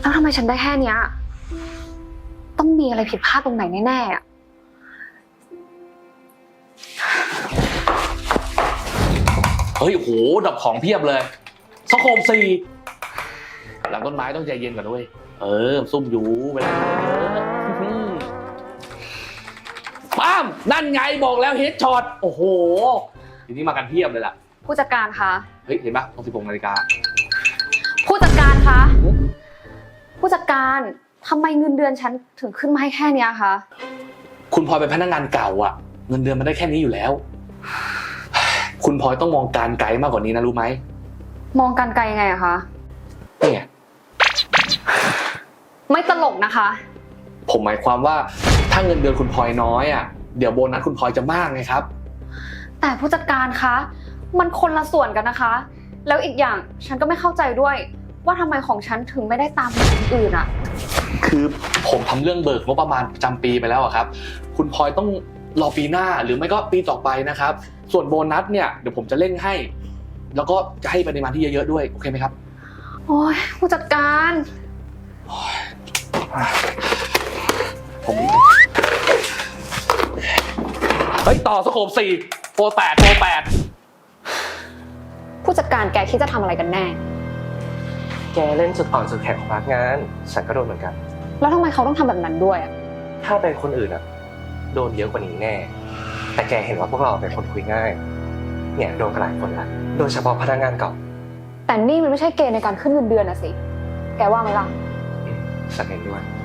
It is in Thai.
แล้วทำไมฉันได้แค่เนี้ยต้องมีอะไรผิดพลาดตรงไหนแน่ๆอะเฮ้ยโหดับของเพียบเลยสโคป4หลังต้นไม้ต้องใจเย็นก่อนด้วยซุ่มอยู่เวลาป้ามนั่นไงบอกแล้วเฮดช็อตโอ้โหทีนี้มากันเพียบเลยล่ะผู้จัดการคะเฮ้ยเห็นปะตรง16 นาฬิกาผู้จัดการคะผู้จัดการทำไมเงินเดือนฉันถึงขึ้นมาให้แค่เนี้ยคะคุณพลอยเป็นพนักงานเก่าอ่ะเงินเดือนมันได้แค่นี้อยู่แล้วคุณพลอยต้องมองการไกลมากกว่านี้นะรู้ไหมมองการไกลยังไงอะคะนี่ไงไม่ตลกนะคะผมหมายความว่าถ้าเงินเดือนคุณพลอยน้อยอ่ะเดี๋ยวโบนัสคุณพลอยจะมากไงครับแต่ผู้จัดการคะมันคนละส่วนกันนะคะแล้วอีกอย่างฉันก็ไม่เข้าใจด้วยว่าทำไมของฉันถึงไม่ได้ตามคนอื่นอะคือผมทำเรื่องเบิกงบประมาณประจำปีไปแล้วอะครับคุณพลอยต้องรอปีหน้าหรือไม่ก็ปีต่อไปนะครับส่วนโบนัสเนี่ยเดี๋ยวผมจะเร่งให้แล้วก็จะให้ปริมาณที่เยอะๆด้วยโอเคไหมครับโอ้ยผู้จัดการผมเฮ้ยต่อสโคป4โปร8 ผู้จัดการแกคิดจะทำอะไรกันแน่แกเล่นจุดอ่อนจุดแข็งของพนักงานฉันก็โดนเหมือนกันแล้วทำไมเขาต้องทำแบบนั้นด้วยอะถ้าเป็นคนอื่นอะโดนเยอะกว่านี้แน่แต่แกเห็นว่าพวกเราเป็นคนคุยง่ายเนี่ยโดนกันหลายคนละโดยเฉพาะพนักงานเก่าแต่นี่มันไม่ใช่เกณฑ์ในการขึ้นเงินเดือนนะสิแกว่าไหมล่ะฉันเห็นด้วย